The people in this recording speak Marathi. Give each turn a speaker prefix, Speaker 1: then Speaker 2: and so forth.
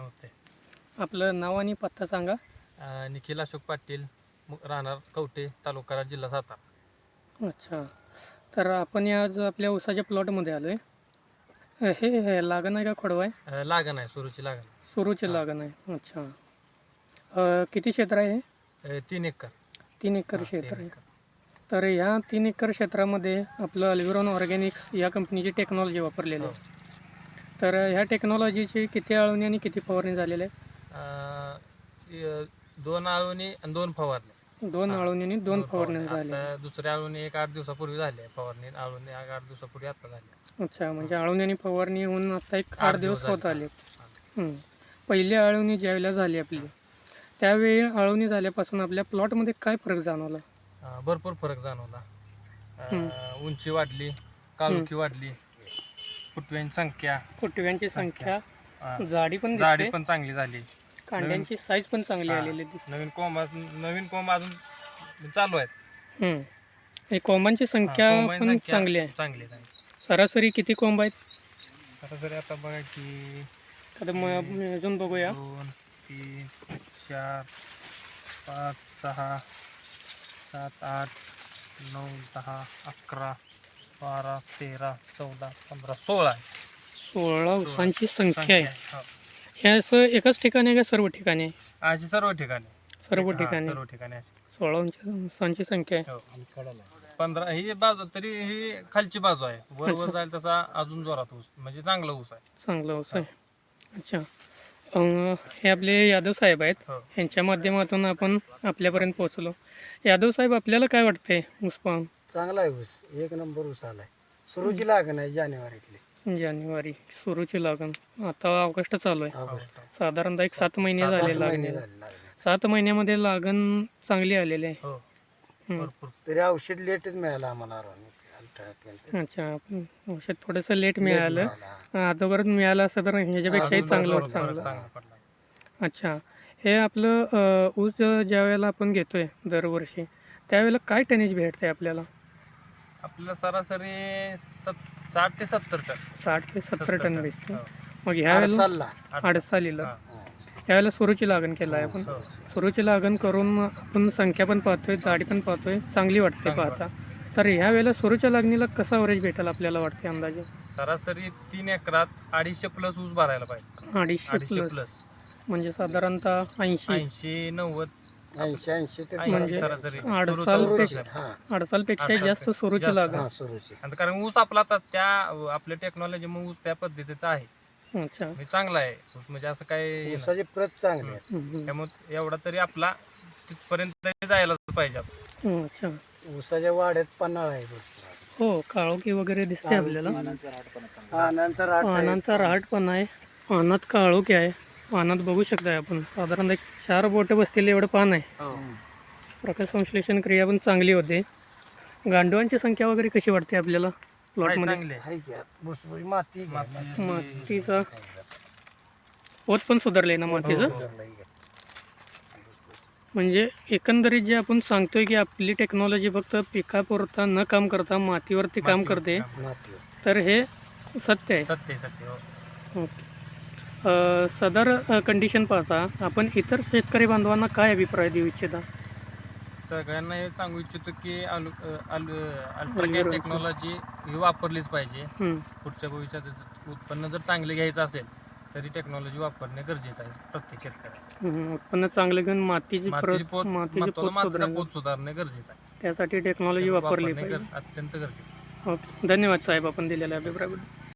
Speaker 1: नमस्ते.
Speaker 2: आपलं नाव आणि पत्ता सांगा.
Speaker 1: निखिल अशोक पाटील, राहणार कवठे, तालुका कराड, जिल्हा सातारा.
Speaker 2: अच्छा. तर आपण आज आपल्या ऊसाच्या प्लॉटमध्ये आलो आहे. हे लागण आहे का खोडवा आहे?
Speaker 1: लागण आहे, सुरूची लागण.
Speaker 2: सुरूची लागण आहे. अच्छा. किती क्षेत्र आहे हे?
Speaker 1: 3 एकर.
Speaker 2: 3 एकर क्षेत्र आहे. तर ह्या 3 एकर क्षेत्रामध्ये आपलं अल्विरॉन ऑर्गॅनिक्स या कंपनीची टेक्नॉलॉजी वापरलेली आहे. तर ह्या टेक्नॉलॉजीची किती आळवणी आणि किती फवारणी झालेली आहे?
Speaker 1: 2 आळवणी आणि 2 फवारणी.
Speaker 2: 2 आळवणी आणि 2 फवारणी झाली.
Speaker 1: आता दुसऱ्या आळवणी 8 दिवसापूर्वी झाली आहे. फवारणी आळवणी 8 दिवसापूर्वी आता झाली.
Speaker 2: अच्छा, म्हणजे आळवणी आणि फवारणी होऊन आता 8 दिवस होत आले. पहिली आळवणी ज्यावेळेला झाली आपली, त्यावेळी आळवणी झाल्यापासून आपल्या प्लॉटमध्ये काय फरक जाणवला?
Speaker 1: भरपूर फरक जाणवला. उंची वाढली, काळुखी वाढली,
Speaker 2: फुटव्यांची संख्या, जाडी पण
Speaker 1: चांगली झाली.
Speaker 2: कांड्यांची साईज पण चांगली आलेली दिसते.
Speaker 1: नवीन कोंब अजून चालू आहेत.
Speaker 2: आणि कोंबांची संख्या पण चांगली आहे. सरासरी किती कोंब आहेत?
Speaker 1: सरासरी आता बघा की
Speaker 2: अजून बघूया.
Speaker 1: 2 3 4 5 6 7 8 9 10 11 12 13 14 15 16
Speaker 2: 16 ऊसांची संख्या आहे. हे असं एकाच ठिकाणी आहे का सर्व ठिकाणी आहे?
Speaker 1: अशी सर्व ठिकाणी.
Speaker 2: सर्व ठिकाणी 16 ऊसांची संख्या आहे.
Speaker 1: 15 ही बाजू तरी ही खालची बाजू आहे. वर जाईल तसा अजून जोरात ऊस, म्हणजे चांगला ऊस आहे.
Speaker 2: चांगला ऊस आहे. अच्छा. हे आपले यादव साहेब आहेत. यांच्या माध्यमातून आपण आपल्यापर्यंत पोहोचलो. यादव साहेब, आपल्याला काय वाटतंय ऊस पाहून?
Speaker 3: चांगला आहे ऊस, 1 नंबर ऊस आलाय. सुरूची लागण आहे
Speaker 2: जानेवारी सुरूची लागण. आता ऑगस्ट चालू आहे. साधारणतः 7 महिने झाले लागणे. 7 महिन्यामध्ये लागण चांगली आलेली आहे.
Speaker 3: तरी औषध लेटच मिळालं आम्हाला.
Speaker 2: अच्छा, औषध थोडंसं लेट मिळालं. अगोदर मिळालं असं तर ह्याच्यापेक्षाही चांगलं. अच्छा. हे आपलं ऊस ज्या वेळेला आपण घेतोय दरवर्षी, त्यावेळेला काय टनेज भेटते आपल्याला?
Speaker 1: आपल्याला सरासरी 60 ते 70 टन.
Speaker 2: 60 ते 70 टन दिसते. मग ह्या वेळेला अडसालीला यावेळेला सुरूची लागण केलं आहे आपण. सुरूची लागण करून आपण संख्या पण पाहतोय, जाडी पण पाहतोय, चांगली वाटते पाहता. तर ह्या वेळेला सुरूच्या लागणीला कसा ॲव्हरेज भेटेल आपल्याला वाटते अंदाजे?
Speaker 1: सरासरी 3 एकरात 250 प्लस ऊस भरायला पाहिजे.
Speaker 2: 250 प्लस म्हणजे साधारणतः 80
Speaker 1: 90
Speaker 2: म्हणजे
Speaker 1: सरासरी.
Speaker 2: अडसालपेक्षा जास्त सुरूची लागण.
Speaker 1: कारण ऊस आपला आता त्या आपल्या टेक्नॉलॉजी मग ऊस त्या पद्धतीचा आहे.
Speaker 2: अच्छा,
Speaker 1: चांगला आहे ऊस, म्हणजे असं काय
Speaker 3: ऊसाची प्रत चांगली आहे.
Speaker 1: त्यामुळे एवढा तरी आपला तिथपर्यंत जायला पाहिजे.
Speaker 2: अच्छा.
Speaker 3: ऊसाच्या वाड्यात पन्हाळा आहे.
Speaker 2: हो, काळोखी वगैरे दिसते आपल्याला. पानांचा रहाटपणा आहे. पानात काळोखी आहे. पानात बघू शकताय आपण साधारणतः 4 बोटं बसलेले एवढं पान आहे. प्रकाश संश्लेषण क्रिया पण चांगली होते. गांडवांची संख्या वगैरे कशी वाटते आपल्याला प्लॉटमध्ये? मातीचा पोत पण सुधारले ना मातीचं. म्हणजे एकंदरीत जे आपण सांगतोय की आपली टेक्नॉलॉजी फक्त पिकापुरता न काम करता मातीवरती काम करते, तर हे सत्य आहे. ओके. सदर कंडिशन पाहता आपण इतर शेतकरी बांधवांना काय अभिप्राय देऊ इच्छिता?
Speaker 1: सगळ्यांना हे सांगू इच्छितो की अल्ट्राकेअर टेक्नॉलॉजी ही वापरलीच पाहिजे. पुढच्या भविष्यात उत्पन्न जर चांगले घ्यायचं असेल तरी टेक्नॉलॉजी वापरणे गरजेचं आहे प्रत्येक शेतकऱ्याला.
Speaker 2: उत्पन्न चांगले घेऊन मातीची
Speaker 1: पोत सुधारणे गरजेचं आहे.
Speaker 2: त्यासाठी टेक्नॉलॉजी वापरली पाहिजे.
Speaker 1: अत्यंत गरजेचं.
Speaker 2: ओके, धन्यवाद साहेब आपण दिलेल्या अभिप्रायाबद्दल.